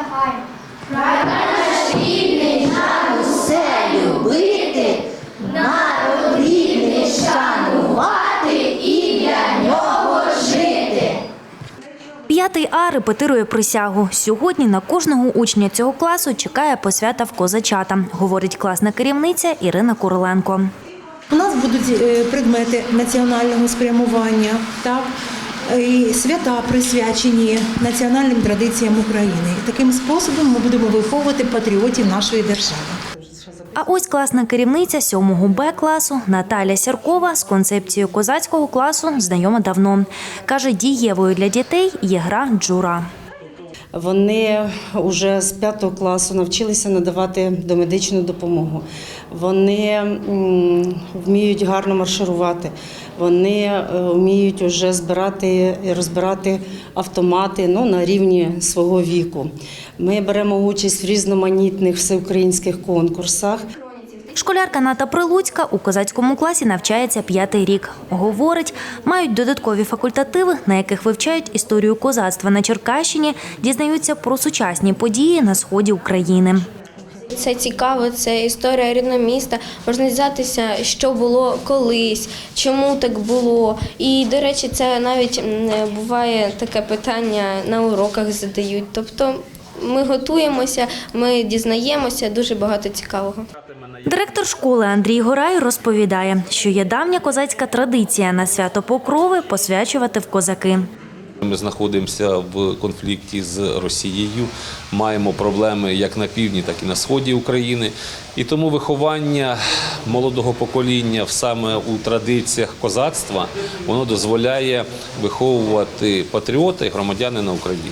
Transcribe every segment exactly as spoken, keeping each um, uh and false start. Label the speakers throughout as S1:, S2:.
S1: загально. Хай наш рідний нам усе любити, народ рідний шанувати і для нього жити.
S2: П'ятий А репетирує присягу. Сьогодні на кожного учня цього класу чекає посвята в козачата, говорить класна керівниця Ірина Куриленко.
S3: У нас будуть предмети національного спрямування, так, і свята присвячені національним традиціям України. І таким способом ми будемо виховувати патріотів нашої держави.
S2: А ось класна керівниця сьомого Б класу Наталя Сіркова з концепцією козацького класу знайома давно. Каже, дієвою для дітей є гра «Джура».
S4: Вони вже з п'ятого класу навчилися надавати домедичну допомогу. Вони вміють гарно марширувати, вони вміють вже збирати і розбирати автомати, ну, на рівні свого віку. Ми беремо участь в різноманітних всеукраїнських конкурсах.
S2: Школярка Ната Прилуцька у козацькому класі навчається п'ятий рік. Говорить, мають додаткові факультативи, на яких вивчають історію козацтва на Черкащині, дізнаються про сучасні події на сході України.
S5: Це цікаво, це історія рідного міста, можна дізнатися, що було колись, чому так було. І, до речі, це навіть буває таке питання на уроках задають. Тобто ми готуємося, ми дізнаємося, дуже багато цікавого.
S2: Директор школи Андрій Горай розповідає, що є давня козацька традиція на свято Покрови посвячувати в козаки.
S6: Ми знаходимося в конфлікті з Росією, маємо проблеми як на півдні, так і на сході України. І тому виховання молодого покоління саме у традиціях козацтва, воно дозволяє виховувати патріота і громадянина України.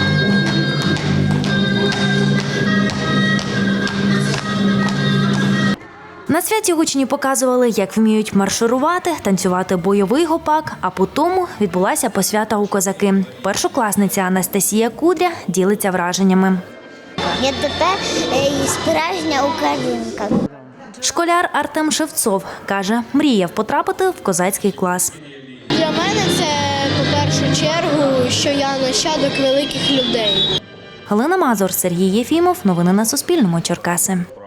S2: На святі учні показували, як вміють марширувати, танцювати бойовий гопак, а потім відбулася посвята у козаки. Першокласниця Анастасія Кудря ділиться враженнями.
S1: Я тепер справжня українка.
S2: Школяр Артем Шевцов каже, мріяв потрапити в козацький клас.
S7: Для мене це, по першу чергу, що я нащадок великих людей.
S2: Галина Мазур, Сергій Єфімов. Новини на Суспільному. Черкаси.